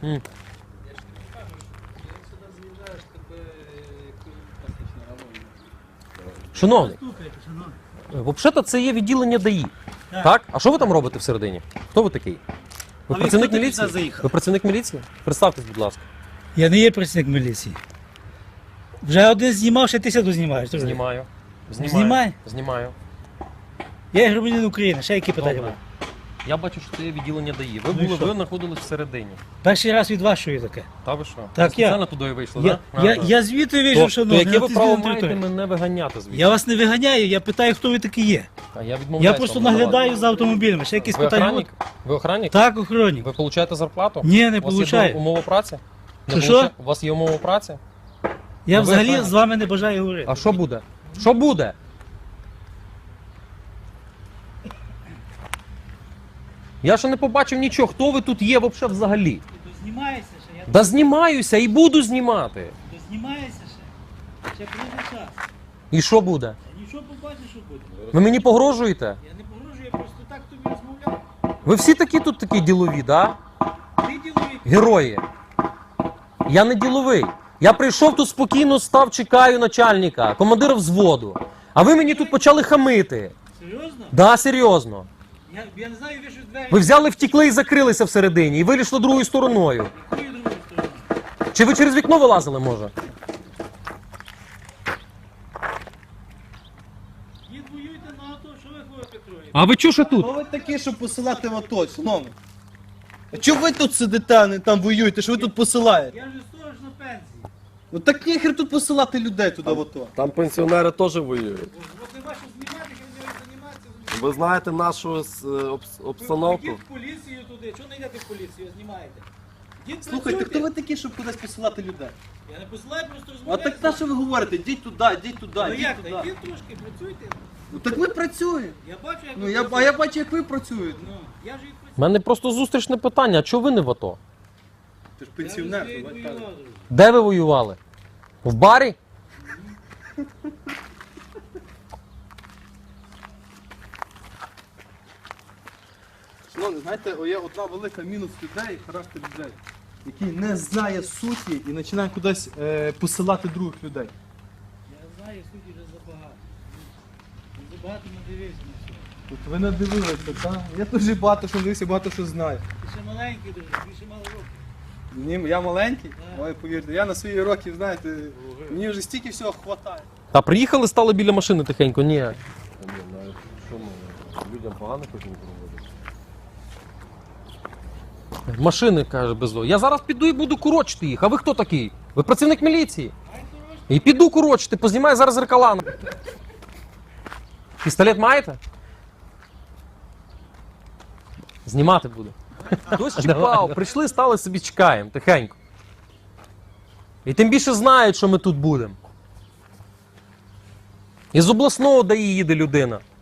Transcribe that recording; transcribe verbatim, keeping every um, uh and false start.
М. Я ж тобі кажу, що як сюди з'їжджаєш, тебе пастична равона. Шановний, Слухайте, шановні. взагалі-то це є відділення ДАІ. Так. Так? А що ви там робите всередині? Хто ви такий? Ви А ви працівник хто такий міліції? сюди заїхав? Ви працівник міліції? Представтесь, будь ласка. Я не є працівник міліції. Вже один знімав, ще ти сяду знімаєш. Ти вже. Знімаю. Знімаю. Знімай. Знімаю. Я є громадянин України, ще які питання Добре. були? Я бачу, що це є відділення ДАІ. Ви Ну і були, що? ви знаходились всередині. Перший раз від вас чую таке. Та ви що? Так, Ви спеціально я. туди і вийшли, Я, так? я, я звідти вийшов, то, шановний. то яке на ви тій право звільненій маєте території. мене виганяти звідси? Я вас не виганяю, я питаю, хто ви такі є. А я відмовляюся. Я просто вам надавати. наглядаю за автомобілями, ще якісь Ви питання. охранник? Ви охранник? Так, охоронник. Ви получаєте зарплату? Ні, не У вас є получаю. умова праці? Не Що, що? получа- У вас є умова праці? Я ви взагалі охранник. з вами не бажаю говорити. А що буде? Що буде? Я ще не побачив нічого. Хто ви тут є вообще взагалі? Ти знімаєшся ще? Я Да знімаюся і буду знімати. ти знімаєшся ще? Ще прийде час. І що буде? Я нічого побачиш, що буде. Ви мені погрожуєте? Я не погрожую, я просто так тобі розмовляв. Ви всі такі тут такі ділові, да? Ти діловий. Герої. Я не діловий. Я прийшов тут спокійно, став, чекаю начальника, командира взводу. А ви мені тут почали хамити. Серйозно? Да, серйозно. Я, я не знаю, ви що двері. Ви взяли, втікли і закрилися всередині, і вийшли другою стороною. Якою другою стороною? Чи ви через вікно вилазили, може? Дід воюйте на АТО, що ви ходите троє? А ви чого ще тут? Хто ви такі, щоб посилати в АТО, шановні? А чого ви тут сидите, а не там воюєте, що ви тут посилаєте? Я вже сторож на пенсії. Ну так ніхер тут посилати людей туди в АТО. Там пенсіонери теж воюють. От не вашу знімати, хай не займатися. Ви знаєте нашу е, обс- обстановку? Йдіть в поліцію туди. Чого не йдете в поліцію, знімаєте? Йдіть, Слухайте, працюйте. хто ви такі, щоб кудись посилати людей? Я не посилаю, просто А розмовляю. так на що ви говорите? Йдіть туди, йдіть туди, Ну йдіть як, туди. так, йдіть трошки, працюйте. Ну так ви працюєте. Я бачу, як Ну ви я, а працюєте. я бачу, як ви працюєте. Ну, я ж і працюю. У мене просто зустрічне питання, а чого ви не в АТО? Ти ж Я пенсіонер, вже давай воював, так. друже. Де ви воювали? В барі? Шановні, знаєте, о, є одна велика мінус людей, характер людей, який не знає суті і починає кудись е, посилати других людей. Я знаю, судді вже забагато. Я забагато надивився на все. От ви не дивилися, так? Я дуже багато що дивився, багато що знаю. Ти ще маленький дуже, більше мало років. Ні, я маленький, Так. ой, повірте, я на свої роки, знаєте, мені вже стільки всього хватає. Та приїхали, стали біля машини тихенько? Ні. Ні, навіть що ми людям погано хочемо проводити. Машини, каже, безло. Я зараз піду і буду курочити їх. А ви хто такий? Ви працівник міліції. І піду курочити, познімаю зараз зеркала. Пістолет маєте? Знімати буду. Хтось чекав, прийшли, стали собі чекаємо, тихенько. І тим більше знають, що ми тут будемо. Із обласного ДАІ їде людина.